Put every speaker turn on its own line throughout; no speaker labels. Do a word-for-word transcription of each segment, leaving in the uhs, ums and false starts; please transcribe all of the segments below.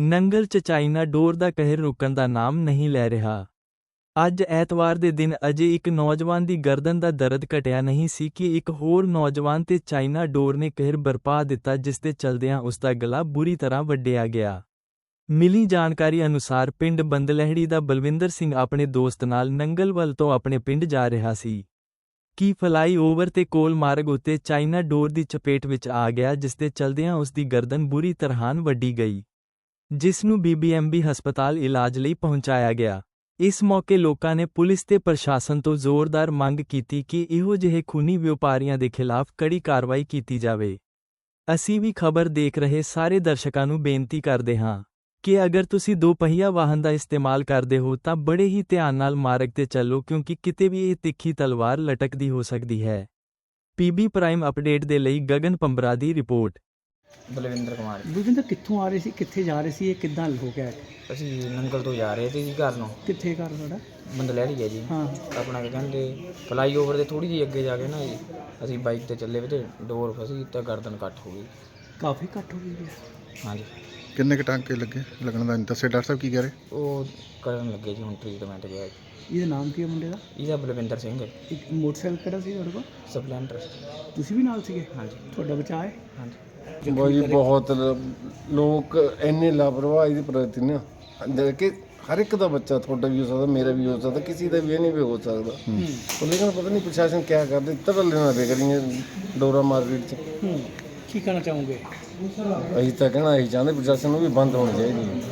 ਨੰਗਲ 'ਚ ਚਾਈਨਾ ਡੋਰ ਦਾ ਕਹਿਰ ਰੁਕਣ ਦਾ ਨਾਮ ਨਹੀਂ ਲੈ ਰਿਹਾ। ਅੱਜ ਐਤਵਾਰ ਦੇ ਦਿਨ ਅਜੇ ਇੱਕ ਨੌਜਵਾਨ ਦੀ ਗਰਦਨ ਦਾ ਦਰਦ ਘਟਿਆ ਨਹੀਂ ਸੀ ਕਿ ਇੱਕ ਹੋਰ ਨੌਜਵਾਨ ਤੇ ਚਾਈਨਾ ਡੋਰ ਨੇ ਕਹਿਰ ਬਰਪਾ ਦਿੱਤਾ, ਜਿਸ ਦੇ ਚਲਦਿਆਂ ਉਸ ਦਾ ਗਲਾ ਬੁਰੀ ਤਰ੍ਹਾਂ ਵੱਢਿਆ ਗਿਆ। ਮਿਲੀ ਜਾਣਕਾਰੀ ਅਨੁਸਾਰ ਪਿੰਡ ਬੰਦਲਹਿੜੀ ਦਾ ਬਲਵਿੰਦਰ ਸਿੰਘ ਆਪਣੇ ਦੋਸਤ ਨਾਲ ਨੰਗਲ ਵੱਲ ਤੋਂ ਆਪਣੇ ਪਿੰਡ ਜਾ ਰਿਹਾ ਸੀ ਕਿ ਫਲਾਈ ਓਵਰ ਤੇ ਕੋਲ ਮਾਰਗ ਉੱਤੇ ਚਾਈਨਾ ਡੋਰ ਦੀ ਚਪੇਟ ਵਿੱਚ ਆ ਗਿਆ, ਜਿਸ ਦੇ ਚਲਦਿਆਂ ਉਸ ਦੀ ਗਰਦਨ ਬੁਰੀ ਤਰ੍ਹਾਂ ਵੱਢੀ ਗਈ, ਜਿਸ ਨੂੰ ਬੀਬੀਐਮਬੀ ਹਸਪਤਾਲ ਇਲਾਜ ਲਈ ਪਹੁੰਚਾਇਆ ਗਿਆ। ਇਸ ਮੌਕੇ ਲੋਕਾਂ ਨੇ ਪੁਲਿਸ ਤੇ ਪ੍ਰਸ਼ਾਸਨ ਤੋਂ ਜ਼ੋਰਦਾਰ ਮੰਗ ਕੀਤੀ ਕਿ ਇਹੋ ਜਿਹੇ ਖੂਨੀ ਵਪਾਰੀਆਂ ਦੇ ਖਿਲਾਫ ਕੜੀ ਕਾਰਵਾਈ ਕੀਤੀ ਜਾਵੇ। ਅਸੀਂ ਵੀ ਖਬਰ ਦੇਖ ਰਹੇ ਸਾਰੇ ਦਰਸ਼ਕਾਂ ਨੂੰ ਬੇਨਤੀ ਕਰਦੇ ਹਾਂ ਕਿ ਅਗਰ ਤੁਸੀਂ ਦੋਪਹੀਆ ਵਾਹਨ ਦਾ ਇਸਤੇਮਾਲ ਕਰਦੇ ਹੋ ਤਾਂ ਬੜੇ ਹੀ ਧਿਆਨ ਨਾਲ ਮਾਰਗ ਤੇ ਚੱਲੋ, ਕਿਉਂਕਿ ਕਿਤੇ ਵੀ ਇਹ ਤਿੱਖੀ ਤਲਵਾਰ ਲਟਕਦੀ ਹੋ ਸਕਦੀ ਹੈ। ਪੀਬੀ ਪ੍ਰਾਈਮ ਅਪਡੇਟ ਦੇ ਲਈ ਗਗਨ ਪੰਬਰਾ ਦੀ ਰਿਪੋਰਟ।
ਬਲਵਿੰਦਰ ਕੁਮਾਰ।
ਬਲਵਿੰਦਰ ਕਿੱਥੋਂ ਆ ਰਹੇ ਸੀ, ਕਿੱਥੇ ਜਾ ਰਹੇ ਸੀ, ਇਹ ਕਿੱਦਾਂ ਹੋ ਗਿਆ?
ਅਸੀਂ ਨੰਗਲ ਤੋਂ ਜਾ ਰਹੇ ਸੀ ਜੀ ਘਰ ਨੂੰ।
ਕਿੱਥੇ ਘਰ ਤੁਹਾਡਾ?
ਬੰਦਲਹਿੜੀ ਹੈ ਜੀ।
ਹਾਂ।
ਆਪਣਾ ਕੀ ਕਹਿੰਦੇ ਫਲਾਈ ਓਵਰ ਦੇ ਥੋੜ੍ਹੀ ਜਿਹੀ ਅੱਗੇ ਜਾ ਕੇ ਨਾ ਜੀ ਅਸੀਂ ਬਾਈਕ ਤੇ ਚੱਲੇ ਵੀ ਤੇ ਡੋਰ ਫਸੀ ਤਾਂ ਗਰਦਨ ਕੱਟ ਹੋ ਗਈ।
ਕਾਫੀ ਕੱਟ ਹੋ ਗਈ ਹੈ।
ਹਾਂਜੀ।
ਕਿੰਨੇ ਕੁ ਟਾਂਕੇ ਲੱਗੇ ਲੱਗਣ ਦਾ ਦੱਸੇ ਡਾਕਟਰ ਸਾਹਿਬ ਕੀ ਕਹਿ ਰਹੇ?
ਉਹ ਕਰਨ ਲੱਗੇ ਜੀ, ਹੁਣ ਟ੍ਰੀਟਮੈਂਟ ਗਿਆ।
ਇਹਦਾ ਨਾਮ ਕੀ ਹੈ ਮੁੰਡੇ ਦਾ?
ਇਹਦਾ ਬਲਵਿੰਦਰ ਸਿੰਘ ਹੈ।
ਇੱਕ ਮੋਟਰਸਾਈਕਲ ਕਿਹੜਾ ਸੀ ਤੁਹਾਡੇ ਕੋਲ?
ਸਪਲੈਂਡਰ।
ਤੁਸੀਂ ਵੀ ਨਾਲ ਸੀਗੇ?
ਹਾਂਜੀ।
ਤੁਹਾਡਾ ਬਚਾਅ ਹੈ?
ਹਾਂਜੀ।
ਬਾਈ ਬਹੁਤ ਲ- ਲੋਕ ਇੰਨੇ ਲਾਪਰਵਾਹੀ ਦੇ ਪ੍ਰਤੀ ਨਾ ਦੇਖ ਕੇ ਹਰ ਇੱਕ ਦਾ ਬੱਚਾ, ਤੁਹਾਡਾ ਵੀ ਹੋ ਸਕਦਾ, ਮੇਰਾ ਵੀ ਹੋ ਸਕਦਾ, ਕਿਸੇ ਦਾ ਵੀ ਇਹ ਨਹੀਂ ਵੀ ਹੋ ਸਕਦਾ। ਉਹ ਲੇਕਿਨ ਪਤਾ ਨਹੀਂ ਪ੍ਰਸ਼ਾਸਨ ਕਿਆ ਕਰਦੇ, ਤਰਲੇ ਨਾਲ ਵੇਖ ਰਹੀਆਂ ਡੋਰਾ ਮਾਰਕੀਟ 'ਚ।
ਹੂੰ। ਕੀ ਕਹਿਣਾ ਚਾਹੋਗੇ?
ਅਸੀਂ ਤਾਂ ਕਹਿਣਾ ਅਸੀਂ ਚਾਹੁੰਦੇ ਪ੍ਰਸ਼ਾਸਨ ਨੂੰ ਵੀ ਬੰਦ ਹੋਣੀ ਚਾਹੀਦੀ ਹੈ।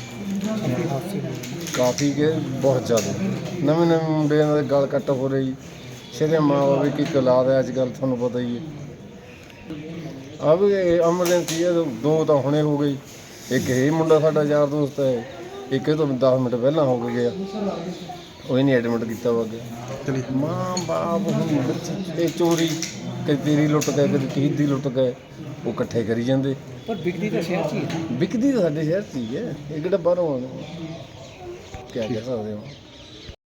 ਕਾਫੀ ਕਿ ਬਹੁਤ ਜ਼ਿਆਦਾ ਨਵੇਂ ਨਵੇਂ ਮੁੰਡਿਆਂ ਦੇ ਗਲ ਕੱਟ ਹੋ ਰਹੀ। ਸ਼ਰੇ ਮਾਂ ਬਾਪ ਕੀ ਔਲਾਦ ਹੈ ਅੱਜ ਕੱਲ੍ਹ, ਤੁਹਾਨੂੰ ਪਤਾ ਹੀ ਹੈ। ਆ ਵੀ ਐਮਰਜੈਂਸੀ ਹੈ, ਦੋ ਤਾਂ ਹੁਣੇ ਹੋ ਗਈ। ਇੱਕ ਇਹ ਮੁੰਡਾ ਸਾਡਾ ਯਾਰ ਦੋਸਤ ਹੈ, ਇੱਕ ਇਹ ਤੋਂ ਦਸ ਮਿੰਟ ਪਹਿਲਾਂ ਹੋ ਕੇ ਗਿਆ, ਉਹ ਹੀ ਨਹੀਂ ਐਡਮਿਟ ਕੀਤਾ ਵਾ ਅੱਗੇ। ਮਾਂ ਬਾਪ ਹੁਣ ਬੱਚੇ ਇਹ ਚੋਰੀ ਕਦੇ ਤੇਰੀ ਲੁੱਟ ਗਏ, ਕਦੇ ਕਿਸੇ ਦੀ ਲੁੱਟ ਗਏ, ਉਹ ਇਕੱਠੇ ਕਰੀ ਜਾਂਦੇ।
ਪਰ ਵਿਕਦੀ ਤਾਂ ਸ਼ਹਿਰ 'ਚ ਹੀ ਹੈ।
ਵਿਕਦੀ ਤਾਂ ਸਾਡੇ ਸ਼ਹਿਰ 'ਚ ਹੀ ਹੈ, ਇਹ ਕਿਹੜਾ ਬਾਹਰੋਂ ਆਉਂਦੇ। ਕਿਆ ਕਹਿ ਸਕਦੇ ਹੋ।